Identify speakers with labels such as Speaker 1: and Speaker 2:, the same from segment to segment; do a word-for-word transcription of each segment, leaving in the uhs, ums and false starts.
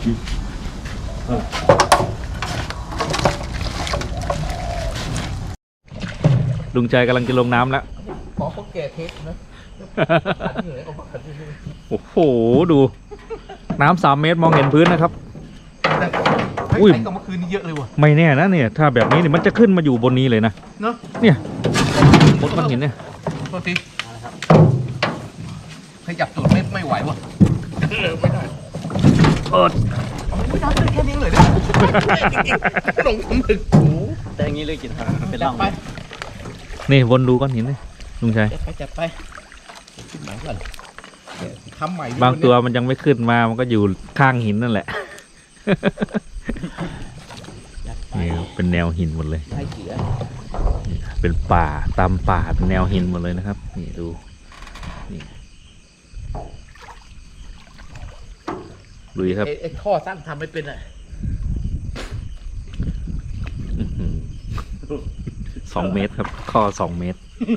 Speaker 1: ลุงใจกำลังจะลงน้ำแล้ว
Speaker 2: ขอเขาแก่เทปนะ
Speaker 1: โอ้โหดูน้ำสามเมตรมองเห็นพื้นนะครับ
Speaker 2: อุ้ยก็เมื่อคืนนี้เยอะเลยว่ะ
Speaker 1: ไม่แน่นะเนี่ยถ้าแบบนี้เนี่ยมันจะขึ้นมาอยู่บนนี้เลยนะ
Speaker 2: เนาะ
Speaker 1: เนี่ยบนก้อนหินเนี่ย
Speaker 2: โทษทีขยับตูดไม่ไม่ไหวว่ะไม่ได้
Speaker 1: เปิด
Speaker 2: ไม่ได้แค่นี้เลยนะลงทำถึง
Speaker 3: แต่อย่างนี้เลยกินเป็นร่องไป
Speaker 1: นี่วนดูก้อนหินเลยลุงชัย
Speaker 2: ไปจัดไปหนังก่อนทำใหม่
Speaker 1: บางตัวมันยังไม่ขึ้นมามันก็อยู่ข้างหินนั่นแหละนี่เป็นแนวหินหมดเลยเป็นป่าตามป่าเป็นแนวหินหมดเลยนะครับนี่ดูนี่ดูครับ
Speaker 2: ไอ้ท่อสั้นทำไม่เป็นอ่ะ
Speaker 1: สองเมตรครับข้อสองเมตร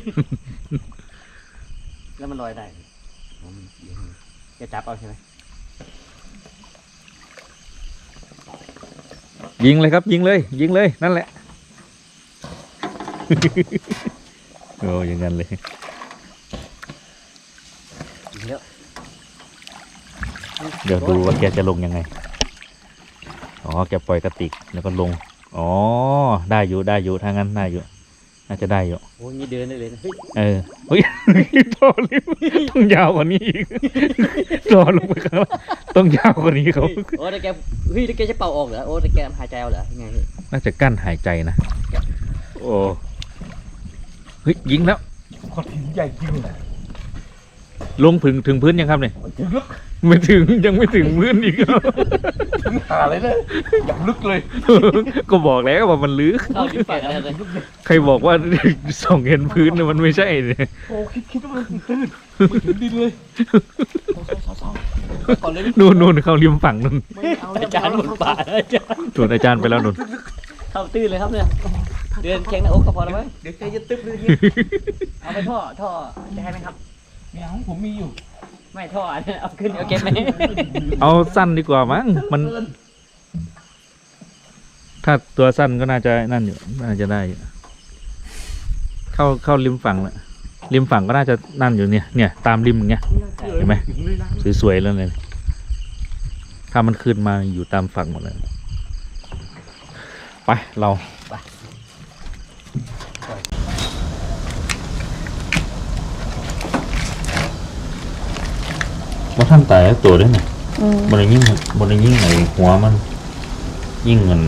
Speaker 3: แล้วมันลอยได้จะจับเอาใช่ไหม
Speaker 1: ยิงเลยครับยิงเลยยิงเลยนั่นแหละโอ้ยังงั้นเลยเดี๋ยวดูว่าแกจะลงยังไงอ๋อแกปล่อยกระติกแล้วก็ลงอ๋อได้อยู่ได้อยู่ถ้างั้นได้อยู่น่าจะได้อยู่
Speaker 3: โอ้ยมีเดินได้เลยนะ
Speaker 1: เออเฮ้ยต่อเลยต้องยาวกว่านี้อีกต่อลงไปข้างล่างต้องยาวกว่านี้เขา
Speaker 3: โอ้แต่แกเฮ้ยแต่แกจะเป่าออกเหรอโอ้แต่แกหายใจเอาเหรอยังไง
Speaker 1: น่าจะกั้นหายใจนะโอ้เฮ้ยยิงแล้ว
Speaker 2: ก้อนหินใหญ่จริงเลย
Speaker 1: ลงถึงถึงพื้นยังครับเนี่ยไม่ถึงยังไม่ถึงพื้นอีก
Speaker 2: ถึงหาเลยนะอย่างลึกเลย
Speaker 1: ก็บอกแล้วว่ามันลึกใครบอกว่าส่องเห็นพื้นเนี่ยมันไม่ใช่เนี่ย
Speaker 2: โอ้คิดคิดว่ามันตื้นไม่ถึงดินเลย
Speaker 1: นู่นนู่นเขาริมฝั่งนู่น
Speaker 3: อาจารย์หมดป่าอาจารย์
Speaker 1: ส่วนอาจารย์ไปแล้วนู่น
Speaker 3: เข้าตื้นเลยครับเนี่ยเดินแข็งหน้าอกก็พอแล้วไหม
Speaker 2: เดี๋ยวใจจะตึ๊บเลย
Speaker 3: เอาไปท่อท่อจะให้ไหมครับ
Speaker 2: ไม่เอาผมมีอยู่
Speaker 3: ไม่ท่อเนี่ยเอาขึ้นเอาเก็บไหม
Speaker 1: เอาสั้นดีกว่ามั้งมันถ้าตัวสั้นก็น่าจะนั่นอยู่น่าจะได้เข้าเข้าริมฝั่งละริมฝั่งก็น่าจะนั่นอยู่เนี่ยเนี่ยตามริมอย่างเงี้ยเห็นไหมสวยๆแล้วเลยถ้ามันขึ้นมาอยู่ตามฝั่งหมดเลยไปเราว่าท่านตายตัวด้วยเนี่ยบริยิ่งบริยิ่งไอหัวมันยิ่งเงิน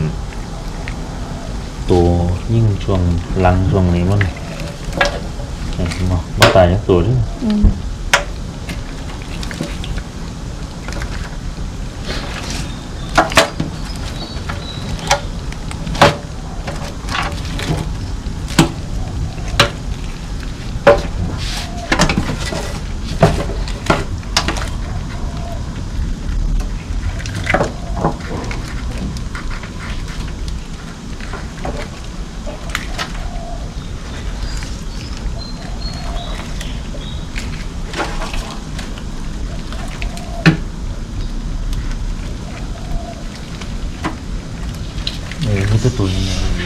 Speaker 1: ตัวยิ่งช่วงลังช่วงนี้มันเห็นมั้ยว่าตายตัวด้วยนี่ตัวนี้